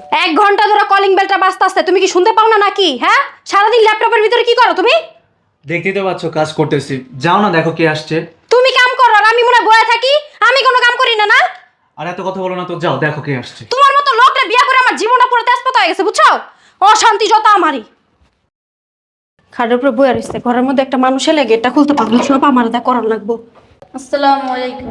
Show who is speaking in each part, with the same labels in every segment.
Speaker 1: 1 ঘন্টা ধরে কলিং বেলটা বাজতাছে, তুমি কি শুনতে পাও না নাকি? হ্যাঁ, সারাদিন ল্যাপটপের ভিতরে কি করো তুমি?
Speaker 2: দেখতেই তো পাচ্ছ কাজ করতেছি। যাও না, দেখো কে আসছে।
Speaker 1: তুমি কাম করো আর আমি মনে হয় বয়ে থাকি? আমি কোনো কাম করি না না?
Speaker 2: আর এত কথা বলো না তো, যাও দেখো কে আসছে।
Speaker 1: তোমার মতো লোকরে বিয়া করে আমার জীবনটা পুরো তেজপাতা হয়ে গেছে, বুঝছো? অশান্তি যত আমারই। খাটের উপরে বয়ে রয়েছে, ঘরের মধ্যে একটা মানুষ এলে গেটটা খুলতে পারবে, সব আমার দা করার লাগবো।
Speaker 3: আসসালামু আলাইকুম।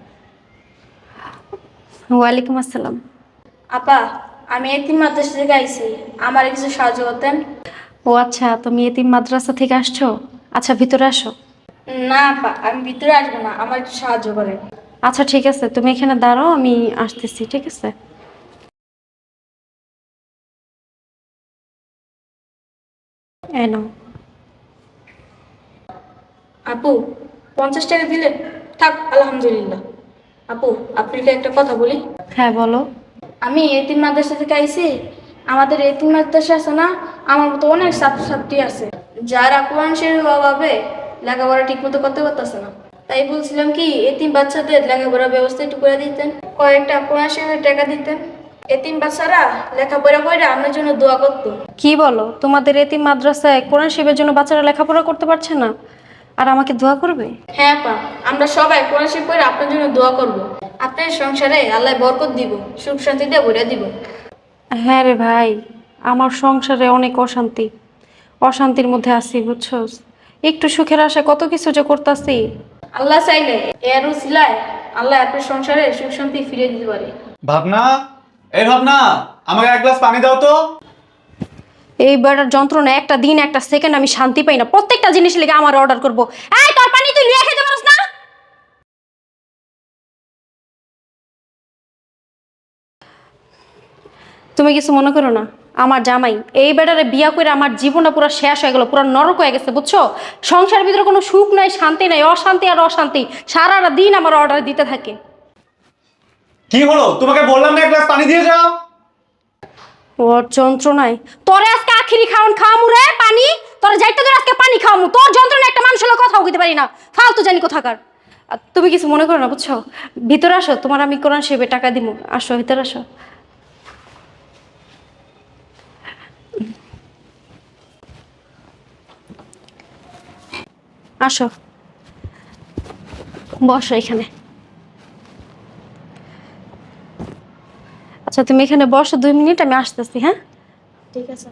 Speaker 1: ওয়ালাইকুম আসসালাম।
Speaker 3: আপা, আমি এতিম মাদ্রাসা থেকে আইছি, আমার কিছু সাহায্য করতেন?
Speaker 1: ও আচ্ছা, তুমি এতিম মাদ্রাসা থেকে আসছো? আচ্ছা, ভিতরে আসো।
Speaker 3: না আপা, আমি ভিতরে আসবো না, আমার একটু সাহায্য করেন।
Speaker 1: আচ্ছা ঠিক আছে, তুমি এখানে দাঁড়াও, আমি আসতেছি, ঠিক আছে? এই নাও।
Speaker 3: আপু, 50 টাকা দিলেন? থাক, আলহামদুলিল্লাহ। আপু, আপনাকে একটা কথা বলি।
Speaker 1: হ্যাঁ বলো।
Speaker 3: আমি এতিম মাদ্রাসা থেকে আইছি। আমাদের এতিম মাদ্রাসা আছে না, আমার মতো অনেক ছাত্রছাত্রী আছে যারা কোরআন শরীফের অভাবে লেখাপড়া ঠিক মতো করতে পারতেছে না। তাই বলছিলাম কি, এতিম বাচ্চাদের লেখাপড়ার ব্যবস্থা একটু করে দিতেন, কয়েকটা কোরআন শরীফের টাকা দিতেন। এতিম বাচ্চারা লেখাপড়া করে আমার জন্য দোয়া করতো।
Speaker 1: কি বলো, তোমাদের এতিম মাদ্রাসায় কোরআন শিবের জন্য বাচ্চারা লেখাপড়া করতে পারছে না আর আমাকে দোয়া করবে?
Speaker 3: হ্যাঁ পা, আমরা সবাই কোরআন শরীফ পড়ে আপনার জন্য দোয়া করব। আপনার সংসারে আল্লাহ বরকত দিব, সুখ শান্তি দিয়ে ভরে দিব।
Speaker 1: হ্যাঁ রে ভাই, আমার সংসারে অনেক অশান্তি, অশান্তির মধ্যে আছি বুঝছো। একটু সুখের আশায় কত কিছু যে করতেছি।
Speaker 3: আল্লাহ চাইলে এর উসিলায় আল্লাহ আপনার সংসারে সুখ শান্তি ফিরিয়ে দিতে পারে।
Speaker 2: ভাবনা, এই ভাবনা, আমাকে এক গ্লাস পানি দাও তো।
Speaker 1: এই বেড়ার যন্ত্রণা, একটা দিন একটা সেকেন্ড আমি শান্তি পাই না, প্রত্যেকটা জিনিস লেগে আমার অর্ডার করবো। এই তোর পানি তুই লিয়ে খেতে পারস না? তুমি কিছু মনে করো না, আমার জামাই এই বেটারে বিয়া করে আমার জীবনটা পুরো শেষ হয়ে গেল, পুরো নরক হয়ে গেছে বুঝছো। সংসারের ভিতরে কোনো সুখ নাই, শান্তি নাই, অশান্তি আর অশান্তি, সারাটা দিন আমার অর্ডার দিতে থাকে।
Speaker 2: কি হলো? তোমাকে বললাম না এক গ্লাস পানি দিয়ে যাও।
Speaker 1: ওর যন্ত্রণায় তোরে আজকে আখিরি খাওয়ামু রে পানি। তোরে যাইতে তোর আজকে পানি খাওয়ামু, তোর যন্ত্রণায় একটা মানুষের লোক কথা কইতে পারি না, ফালতু জানি কোথাকার। আর তুমি কিছু মনে করো না বুঝছো, ভিতরে আসো, তোমার আমি কোরআন শরীফে টাকা দিব, আসো ভিতরে আসো। আসো, বসো এখানে। আচ্ছা তুমি এখানে বসো 2 মিনিট, আমি আসতেছি, হ্যাঁ?
Speaker 3: ঠিক আছে।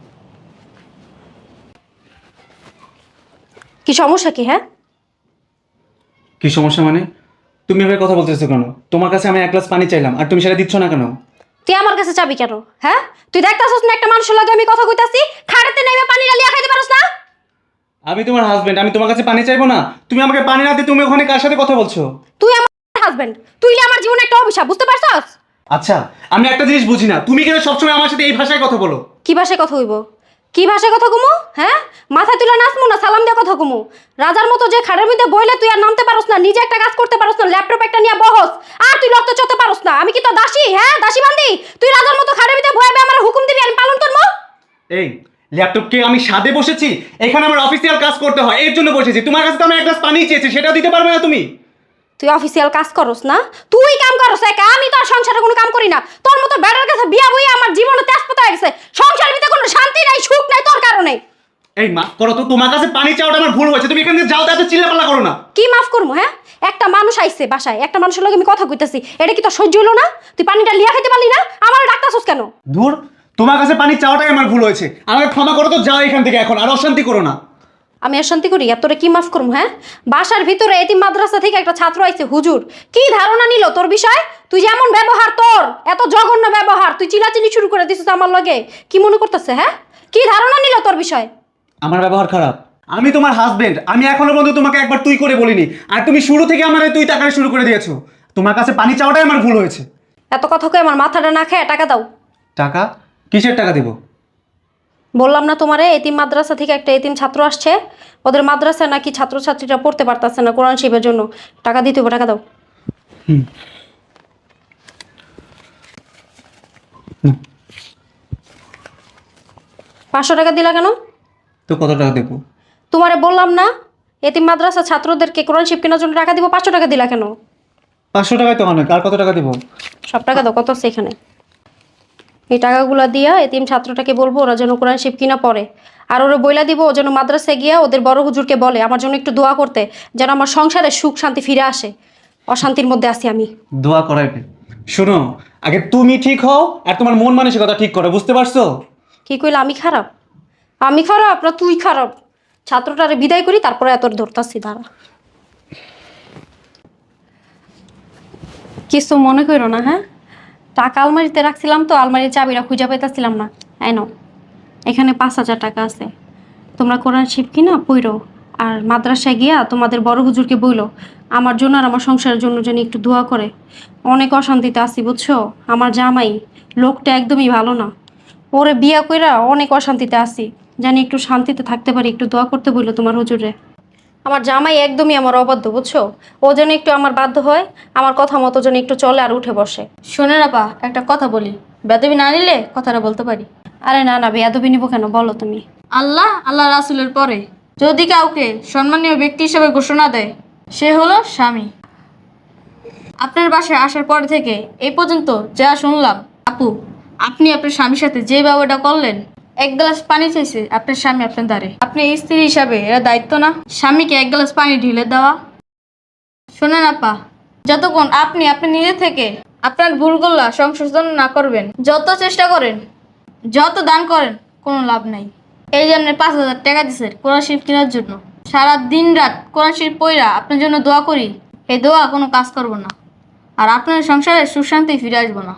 Speaker 1: কি সমস্যা কি? হ্যাঁ,
Speaker 2: কি সমস্যা মানে? তুমি এভাবে কথা বলতেছো কেন? তোমার কাছে আমি এক গ্লাস পানি চাইলাম আর তুমি সেটা দিচ্ছ না কেন?
Speaker 1: তুই আমার কাছে চাবি কেন? হ্যাঁ, তুই দেখতাছস না একটা মানুষের লগে আমি কথা কইতাছি, খাড়াতে নাইবা পানি লিয়া খাইতে পারছ না?
Speaker 2: আমি তোমার হাজবেন্ড, আমি তোমার কাছে পানি চাইবো না? তুমি আমাকে পানি না দিয়ে তুমি ওখানে কার সাথে কথা বলছো?
Speaker 1: তুই আমার হাজবেন্ড, তুই আমার জীবনে একটা অভিশাপ, বুঝতে পারছস?
Speaker 2: আচ্ছা, আমি একটা জিনিস বুঝি না, তুমি কেন সবসময় আমার সাথে এই ভাষায় কথা বলো?
Speaker 1: কি ভাষায় কথা কইব? কি ভাষায় কথা কমু? হ্যাঁ, মাথা তুলে নাচমু না সালাম দিয়ে কথা কমু? রাজার মতো যে খাড়ের মধ্যে বইলে তুই আর নামতে পারস না, নিজে একটা কাজ করতে পারস না, ল্যাপটপ একটা নিয়ে বহস, আর তুই লড়তে চড়তে পারস না। আমি কি তো দাসী? হ্যাঁ, দাসী বান্দি? তুই রাজার মতো খাড়ের মধ্যে বইবে আমার হুকুম দিবি, আমি পালন করবো?
Speaker 2: এই ল্যাপটপকে আমি সাদে বসেছি, এখানে আমার অফিসিয়াল কাজ করতে হয়, এর জন্য বসেছি। তোমার কাছে তো আমি এক গ্লাস পানি চেয়েছি, সেটা দিতে পারবে না তুমি?
Speaker 1: তুই অফিসিয়াল কাজ করস না, তুই কাম করস একা, আমি তো আর সংসারে কোনো কাম করি না। তোর মতো বেড়ার কাছে বিয়া বইয়া আমার জীবনে তেজপাতা হয়ে গেছে, সংসারের ভিতরে কোনো শান্তি নাই, সুখ নাই তোর কারণে।
Speaker 2: এই মা করো তো, তোমার কাছে পানি চাওয়াটা আমার ভুল হয়েছে, তুমি এখান থেকে যাও তো, এত চিল্লাপাল্লা করো না।
Speaker 1: কি মাফ করবো? হ্যাঁ, একটা মানুষ আইছে বাসায়, একটা মানুষের লগে আমি কথা কইতাছি, এটা কি তোর সহ্য হলো না? তুই পানিটা লিয়া খাইতে পারলি না, আমার ডাক্তারছস কেন?
Speaker 2: ধুর, তোমার কাছে পানি চাওয়াটাই আমার ভুল হয়েছে, আমাকে ক্ষমা করো তো, যাও এখান থেকে এখন, আর অশান্তি করো না।
Speaker 1: আমি অশান্তি করি আর তোরে কি মাফ করবো? হ্যাঁ, বাসার ভিতরে এতিম মাদ্রাসা থেকে একটা ছাত্র আইছে, হুজুর কি ধারণা নিল তোর বিষয়? তুই যেমন ব্যবহার, তোর এত জঘন্য ব্যবহার, তুই চিলাচিলি শুরু করে দিছিস আমার লগে, কি মনে করতেছে? হ্যাঁ, কি ধারণা নিল তোর বিষয়?
Speaker 2: আমার ব্যবহার খারাপ? আমি তোমার হাজবেন্ড, আমি এখনো পর্যন্ত তোমাকে একবার তুই করে বলিনি, আর তুমি শুরু থেকে আমার তুই টাকা শুরু করে দিয়েছো। তোমার কাছে পানি চাওয়াটাই আমার ভুল হয়েছে।
Speaker 1: এত কথা কই আমার মাথাটা না খেয়ে টাকা দাও।
Speaker 2: টাকা? কিসের টাকা দেবো?
Speaker 1: বললাম না তোমারে, এতিম মাদ্রাসা থেকে একটা এতিম ছাত্র আসছে, ওদের মাদ্রাসায় নাকি ছাত্রছাত্রীরা পড়তে পারতেছে না, কোরআন শিবের জন্য টাকা দিতে হবে, টাকা দাও।
Speaker 2: হুম।
Speaker 1: 500 টাকা দিলা কেন?
Speaker 2: তো কত টাকা দেবো?
Speaker 1: তোমারে বললাম না এতিম মাদ্রাসা ছাত্রদেরকে কোরআন শিব কেনার জন্য টাকা দিব, 500 টাকা দিলা কেন?
Speaker 2: 500 টাকায় তো অনেক, আর কত টাকা দেবো?
Speaker 1: সব টাকা দাও, কত আছে এখানে? এই টাকাগুলো দিয়া এতিম ছাত্রটাকে বলবো ওরা যেন কোরআন শিব কিনা পড়ে। আর ওরা বইলা দিব ও যেন মাদ্রাসায় গিয়া ওদের বড় হুজুরকে বলে আমার জন্য একটু দোয়া করতে, যেন আমার সংসারে সুখ শান্তি ফিরে আসে। অশান্তির মধ্যে আছি আমি।
Speaker 2: দোয়া করাইবে? শোনো, আগে তুমি ঠিক হও আর তোমার মন মানসিকতা ঠিক করো, বুঝতে পারছো?
Speaker 1: কি কইলে আমি খারাপ? আমি খারাপ না তুই খারাপ? ছাত্রটারে বিদায় করি তারপরে এত ধরতাছি, দাঁড়া। কিছু মনে করো না, হ্যাঁ? টাকা আলমারিতে রাখছিলাম তো, আলমারির চাবিটা খুঁজে পাইতেছিলাম না। এনো, এখানে 5,000 টাকা আছে। তোমরা কোরআন শিব কিনা পইরো, আর মাদ্রাসায় গিয়া তোমাদের বড় হুজুরকে বইলো আমার জন্য আর আমার সংসারের জন্য যেন একটু দোয়া করে। অনেক অশান্তিতে আছি বুঝছো। আমার জামাই লোকটা একদমই ভালো না। ওরে বিয়া কইরা অনেক অশান্তিতে আছি, জানি একটু শান্তিতে থাকতে পারি, একটু দোয়া করতে বললো তোমার হুজুরে। আমার জামাই একদমই আমার অবাধ্য বুঝছো। ও যেন একটু আমার বাধ্য হয়, আমার কথা মতো যেন একটু চলে আর উঠে বসে।
Speaker 3: শোনেন আপা, একটা কথা বলি, বেদবি না নিলে কথাটা বলতে পারি।
Speaker 1: আরে না না, বেয়াদবি নিবো কেন, বলো তুমি।
Speaker 3: আল্লাহ রাসূলের পরে যদি কাউকে সম্মানীয় ব্যক্তি হিসেবে ঘোষণা দেয়, সে হলো স্বামী। আপনার বাসায় আসার পর থেকে এই পর্যন্ত যা শুনলাম, আপু আপনি আপনার স্বামীর সাথে যে ব্যবহারটা করলেন, এক গ্লাস পানি চাইছে আপনার স্বামী আপনার দ্বারে, আপনি স্ত্রী হিসাবে এরা দায়িত্ব না স্বামীকে এক গ্লাস পানি ঢেলে দেওয়া? শোনেন আপা, যতক্ষণ আপনি আপনি নিজে থেকে আপনার ভুলগুলো সংশোধন না করবেন, যত চেষ্টা করেন, যত দান করেন, কোনো লাভ নাই। এই জন্য 5,000 টাকা দিচ্ছেন কোরআন শরীফ কেনার জন্য। সারা দিন রাত কোরআন শরীফ পড়া আপনার জন্য দোয়া করি, এই দোয়া কোনো কাজ করবো না, আর আপনার সংসারে সুখ শান্তি ফিরে আসবো না।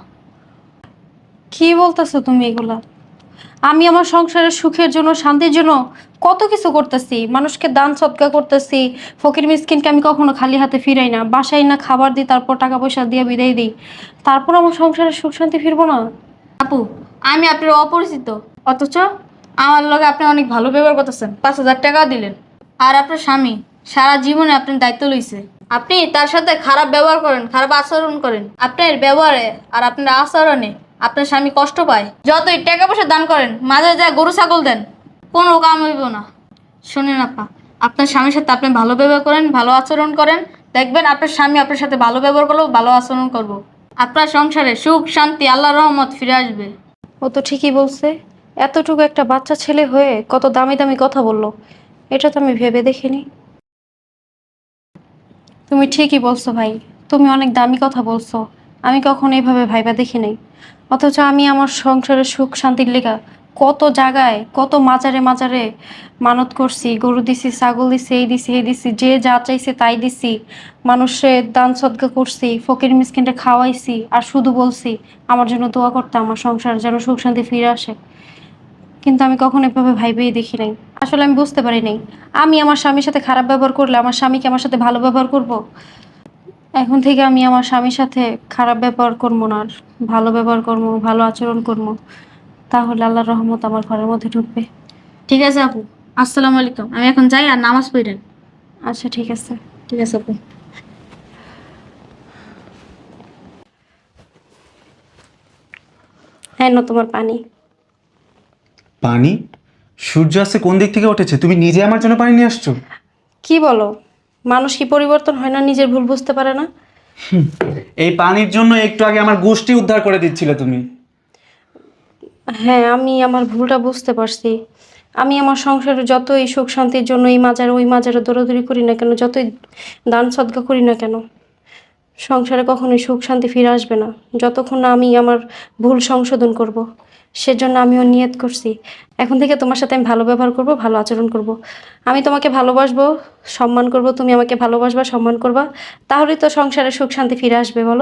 Speaker 1: কি বলতেছো তুমি এগুলা? আমি আমার সংসারের সুখের জন্য শান্তির জন্য কত কিছু করতেছি, মানুষকে দান সৎকার করতেছি, ফকির মিসকিনকে আমি কখনো খালি হাতে ফিরাই না, বাসায় না খাবার দিই, তারপর টাকা পয়সা দিয়ে বিদায় দিই, তারপর আমার সংসারের সুখ শান্তি ফিরবো না?
Speaker 3: আপু আমি আপনার অপরিচিত, অথচ আমার লগে আপনি অনেক ভালো ব্যবহার করতেছেন, 5,000 টাকাও দিলেন। আর আপনার স্বামী সারা জীবনে আপনার দায়িত্ব লইছে, আপনি তার সাথে খারাপ ব্যবহার করেন, খারাপ আচরণ করেন, আপনার ব্যবহারে আর আপনার আচরণে আপনার স্বামী কষ্ট পায়। যতই টাকা পয়সা দান করেন, মাঝে যা গরু ছাগল দেন, কোনো কাম হইব না। শোনেন আপা, আপনার স্বামীর সাথে আপনি ভালো ব্যবহার করেন, ভালো আচরণ করেন, দেখবেন আপনার স্বামী আপনার সাথে ভালো ব্যবহার করবো, ভালো আচরণ করব। আপনার সংসারে সুখ শান্তি আল্লাহর রহমত ফিরে আসবে।
Speaker 1: ও তো ঠিকই বলছে। এতটুকু একটা বাচ্চা ছেলে হয়ে কত দামি দামি কথা বললো, এটা তো আমি ভেবে দেখিনি। তুমি ঠিকই বলছো ভাই, তুমি অনেক দামি কথা বলছো। আমি কখনো এইভাবে ভাইবা দেখি নাই। অথচ আমি আমার সংসারের সুখ শান্তির লেগা কত জায়গায়, কত মাজারে মাজারে মানত করছি, গরু দিছি, ছাগল দিছি, এই দিছি, এই দিছি, যে যা চাইছে তাই দিছি, মানুষের দান সদকা করছি, ফকির মিসকিনটা খাওয়াইছি, আর শুধু বলছি আমার জন্য দোয়া করতে, আমার সংসার যেন সুখ শান্তি ফিরে আসে। কিন্তু আমি কখনো এভাবে ভাইবেই দেখি নাই। আসলে আমি বুঝতে পারি নাই, আমি আমার স্বামীর সাথে খারাপ ব্যবহার করলে আমার স্বামী কি আমার সাথে ভালো ব্যবহার করব? এখন থেকে আমি আমার স্বামীর সাথে খারাপ ব্যবহার করবো না, আর ভালো ব্যবহার করবো, ভালো আচরণ করবো। তাহলে আল্লাহর রহমত আমার ঘরের মধ্যে ঢুকবে।
Speaker 3: ঠিক আছে আপু, আসসালামু আলাইকুম। আমি এখন যাই, আর নামাজ পড়েন।
Speaker 1: আচ্ছা ঠিক আছে।
Speaker 3: ঠিক আছে আপু।
Speaker 1: হ্যাঁ না, তোমার পানি।
Speaker 2: পানি? সূর্য আসছে কোন দিক থেকে উঠেছে? তুমি নিজে আমার জন্য পানি নিয়ে আসছো?
Speaker 1: কি বলো? মানুষ কি পরিবর্তন হয় না, নিজের ভুল বুঝতে পারে না?
Speaker 2: এই পানির জন্য একটু আগে আমার গোষ্ঠী উদ্ধার করে দিচ্ছিলে তুমি।
Speaker 1: হ্যাঁ, আমি আমার ভুলটা বুঝতে পারছি। আমি আমার সংসারে যতই সুখ শান্তির জন্য এই মাজারে ওই মাজারে দৌড়াদৌড়ি করি না কেন, যতই দান সদকা করি না কেন, সংসারে কখনোই সুখ শান্তি ফিরে আসবে না যতক্ষণ না আমি আমার ভুল সংশোধন করব। সেজন্য আমিও নিয়ত করছি, এখন থেকে তোমার সাথে আমি ভালো ব্যবহার করব, ভালো আচরণ করব। আমি তোমাকে ভালোবাসবো, সম্মান করব, তুমি আমাকে ভালোবাসবা, সম্মান করবা। তাহলেই তো সংসারে সুখ শান্তি ফিরে আসবে, বলো?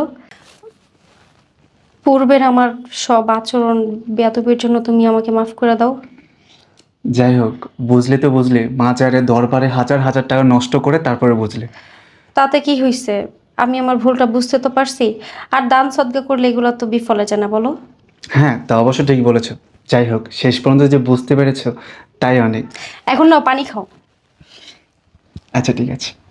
Speaker 1: পূর্বের আমার সব আচরণ বেয়াদবির জন্য তুমি আমাকে মাফ করে দাও।
Speaker 2: যাই হোক, বুঝলে তো বুঝলে, মাজারে দরবারে হাজার হাজার টাকা নষ্ট করে তারপরে বুঝলে।
Speaker 1: তাতে কি হয়েছে? আমি আমার ভুলটা বুঝতে তো পারছি। আর দান সদকা করলে এগুলো তো বিফলে যায় না, বলো?
Speaker 2: হ্যাঁ, তা অবশ্য ঠিক বলেছো। যাই হোক, শেষ পর্যন্ত যে বুঝতে পেরেছো তাই অনেক।
Speaker 1: এখন নাও পানি খাও।
Speaker 2: আচ্ছা ঠিক আছে।